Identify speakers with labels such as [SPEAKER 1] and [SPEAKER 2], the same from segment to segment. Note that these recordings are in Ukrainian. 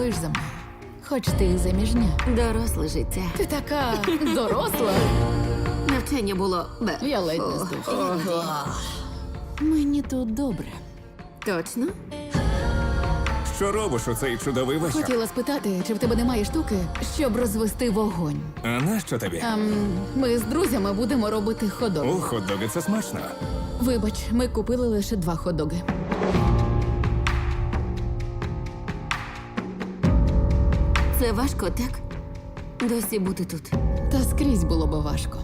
[SPEAKER 1] сумуєш за мною. Хоч ти і заміжня.
[SPEAKER 2] Доросле життя.
[SPEAKER 1] Ти така доросла.
[SPEAKER 2] Навчання було бе.
[SPEAKER 1] Я ледь не здохла. Мені тут добре.
[SPEAKER 2] Точно?
[SPEAKER 3] Що робиш у цей чудовий вечір?
[SPEAKER 1] Хотіла спитати, чи в тебе немає штуки, щоб розвести вогонь.
[SPEAKER 3] А нащо тобі?
[SPEAKER 1] Ми з друзями будемо робити ходок.
[SPEAKER 3] У хот-доги це смачно.
[SPEAKER 1] Вибач, ми купили лише 2 ходоги.
[SPEAKER 2] Це важко, так? Досі бути тут.
[SPEAKER 1] Та скрізь було би важко.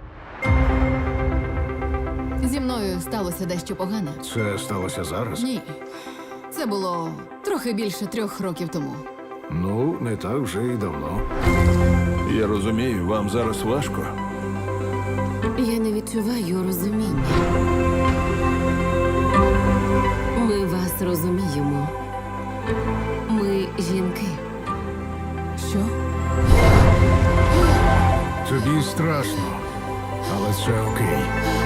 [SPEAKER 1] Зі мною сталося дещо погане.
[SPEAKER 4] Це сталося зараз?
[SPEAKER 1] Ні. Це було трохи більше 3 років тому.
[SPEAKER 4] Ну, не так вже і давно.
[SPEAKER 5] Я розумію, вам зараз важко.
[SPEAKER 2] Я не відчуваю розуміння. Ми вас розуміємо. Ми жінки.
[SPEAKER 1] Що?
[SPEAKER 4] Тобі страшно, але це окей.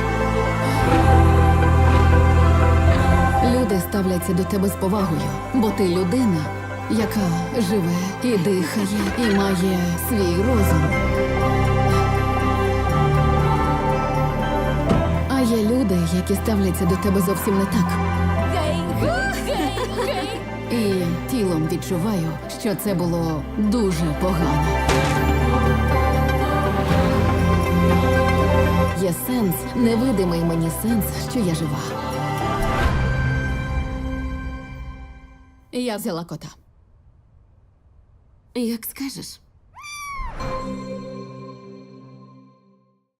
[SPEAKER 1] Люди ставляться до тебе з повагою, бо ти людина, яка живе і дихає, і має свій розум. А є люди, які ставляться до тебе зовсім не так. І тілом відчуваю, що це було дуже погано. Є сенс, невидимий мені сенс, що я жива. Я взяла кота.
[SPEAKER 2] Як скажеш.